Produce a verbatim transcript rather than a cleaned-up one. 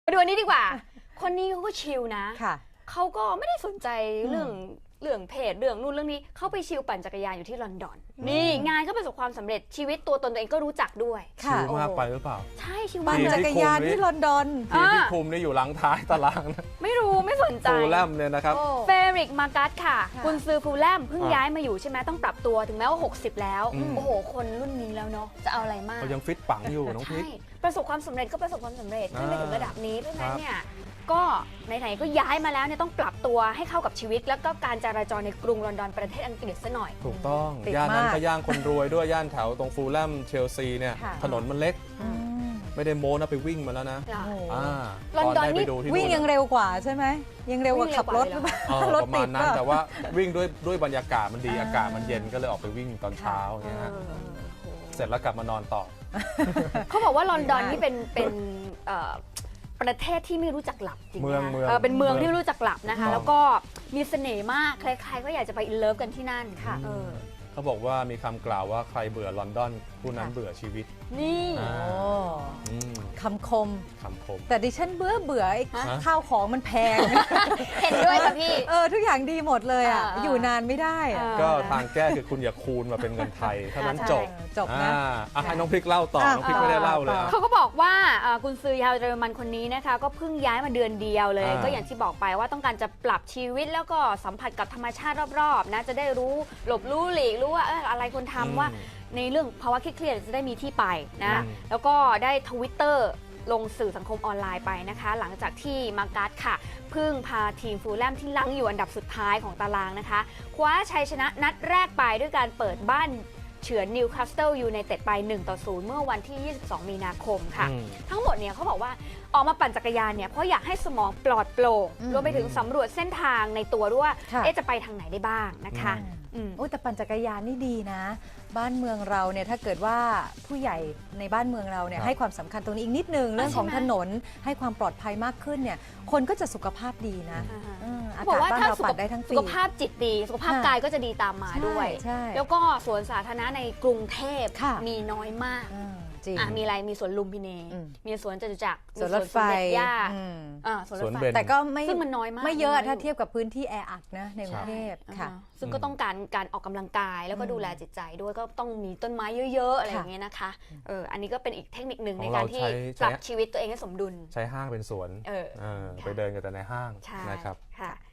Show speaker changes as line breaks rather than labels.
มาดูอันนี้ดีกว่า คนนี้เขาก็ชิลนะ
ค่ะ
เขาก็ไม่ได้สนใจเรื่องเรื่องเพจเรื่องนู่นเรื่องนี้เขาไปชิลปั่นจักรยานอยู่ที่ลอนดอนนี่งานก็ประสบความสำเร็จชีวิตตัวตนตัวเองก็รู้จักด้วย
ค่ะ
ชิลมากไปหรือเปล่า
ใช่ชิล
ปั่
มาน ก
จักรยานที่ลอนดอน
ทีมที่คุมนี่อยู่หลังท้ายตารางนะ
ไม่รู้ไม่สนใจ
ฟูลแลมเนี่ยนะครับ
เฟริกมากัสค่ะ
ค่ะ
กุนซือฟูลแลมเพิ่ง
อ่า
ย้ายมาอยู่ใช่ไหมต้องปรับตัวถึงแม้ว่าหกสิบแล้ว
อืม
โอ้โหคนรุ่นนี้แล้วเนาะจะเอาอะไรมาก
เขายังฟิตปังอยู่น้องพริก
ใช่ประสบความสำเร็จก็ประสบความสำเร็จขึ้นไป
อ่า
ถึงระดับนี้เพราะฉะนั้
คน รับ
เนี่ยก็ไหนๆก็ย้ายมาแล้วเนี่ยต้องปรับตัวให้เข้ากับชีวิต แล้วก็การจราจรในกรุงลอนดอนประเทศอังกฤษซะหน่อย
ถูกต้อง
ติด
ย่านนั้น
มาก
ก็ย่านคนรวยด้วยย่านแถวตรงฟูลแลมเชลซีเนี่ย
ค่ะ
ถนนมันเล็ก
อืม
ไม่ได้โม้นะไปวิ่งมาแล้วนะ
อ่า
โอ้โห
อ่า
ลอนดอน
ได้
นี่
ไปดูที่
วิ่งยังเร็วกว่าใช่ไหมยังเร็วกว่าขับรถหรือเปล่า
เออ
รถ
ประมา
ติ
ณ
ด
นั้น
ป่ะ
แต่ว่าวิ่งด้วยด้วยบรรยากาศมันดี
อ่า
อากาศมันเย็นก็เลยออกไปวิ่งตอนเช้าอย่างเงี้ยฮะ
เออ
เสร็จแล้วกลับมานอนต่อ
เขาบอกว่าลอนดอน
ดีมาก
นี่เป็นเป็นเอ่อประเทศที่ไม่รู้จักหลับจริงๆ
เมือง
นะ
เมือง
เออเป็นเมือง
เมือง
ที่ไม่รู้จักหลับนะคะ
ถูกต้อง
แล้วก็มีเสน่ห์มากใครๆก็อยากจะไปอินเลิฟกันที่นั่น
ค่ะ
เออ
เขาบอกว่ามีคำกล่าวว่าใครเบื่อลอนดอนผู้นั้น
ค่ะ
เบื่อชีวิต
นี่
อ่า
โอ้
อืม
คำคม
คำคม
แต่ดิฉันเบื่อเบื่อไอ้
ฮะ
ข้าวของมันแพง
เห็นด้วยค่ะพี่
เออทุกอย่างดีหมดเลยอ่ะ
อ่า
อยู่นานไม่ได้อะ
เออ
ก็ทางแก้คือคุณอย่าคูณมาเป็นเงินไทยเท่านั้น
ใช่
จบ
จบนะ
อ่าอ่ะให้น้องพริกเล่าต่อ
อ่ะ
น้องพริกไม่ได้เล่าเลย
ต่อ
อ่ะ
เขาก็บอกว่าเอ่อกุนซือชาวเยอรมันคนนี้นะคะก็เพิ่งย้ายมาเดือนเดียวเลย
อ่า
ก็อย่างที่บอกไปว่าต้องการจะปรับชีวิตแล้วก็สัมผัสกับธรรมชาติรอบๆนะจะได้รู้หลบรู้หลีกรู้ว่าเอออะไรควรทำว่า ในเรื่องภาวะเครียดๆจะได้มีที่ไปนะ
อืม
แล้วก็ได้ทวิตเตอร์ลงสื่อสังคมออนไลน์ไปนะคะ หลังจากที่มาการ์ดค่ะเพิ่งพาทีมฟูลแลมที่ลังอยู่อันดับสุดท้ายของตารางนะคะคว้าชัยชนะนัดแรกไปด้วยการเปิดบ้านเฉือนนิวคาสเซิลยูไนเต็ดไปหนึ่งต่อศูนย์เมื่อวันที่ ยี่สิบสอง มีนาคมค่ะ
อืม
ทั้งหมดเนี่ยเขาบอกว่าออกมาปั่นจักรยานเนี่ยเพราะอยากให้สมองปลอดโปร่ง
อืม
รวมไปถึงสำรวจเส้นทางในตัวด้วยว่า
ค่ะ
เอ๊ะจะไปทางไหนได้บ้างนะคะ
อืม
อืม
โอ้แต่ปั่นจักรยานนี่ดีนะ บ้านเมืองเราเนี่ยถ้าเกิดว่าผู้ใหญ่ในบ้านเมืองเราเนี่ย
ครับ
ให้ความสำคัญตรงนี้อีกนิดนึงเรื่องของ
ใช่ไหม
ถนนให้ความปลอดภัยมากขึ้นเนี่ยคนก็จะสุขภาพดีนะ
อ่าฮะ
เอออา
บอก
กาศ
ว่า
บ้าน
ถ้า
เรา
สุ
ปั
ข
ดได้ทั้งปี
สุขภาพจิตดี สุขภาพ
ค่ะ
กายก็จะดีตามมาด้วย
ใช่
แล้วก็สวนสาธารณะในกรุงเทพ
ค่ะ
มีน้อยมาก
อืมจริง
อ่ะมีอะไรมีสวนลุมพินี
อืม
มีสวนจตุจักร
สวนรถไฟ
มีสวนสมเด็จย่า
อืม
อ่าสวนร
ส
ถ
วน
ไฟ
เบญ
แต่ก็ไม่
ซึ่งมันน้อยมาก
ไม่เยอะ
น้อยอยู่
ถ้าเทียบกับพื้นที่แออัดนะในกรุงเทพค่ะ
อ่าซึ่งก็ต้องการการออกกำลังกายแล้วก็
อืม
ดูแลจิตใจด้วยก็ต้องมีต้นไม้เยอะๆอะไรอ
ค่ะ
ย่างเงี้ยนะคะเอออันนี้ก็เป็นอีกเทคนิคหนึ่ง
ข
ใน
อง
การ
เรา
ที่
ใช้
ปรับ
ใช้
ชีวิตตัวเองให้สมดุล
ใช้ห้างเป็นสวน
เออ
เออ
ค่ะ
ไปเดินกันแต่ในห้าง
ใช่
นะครับ
ค่ะ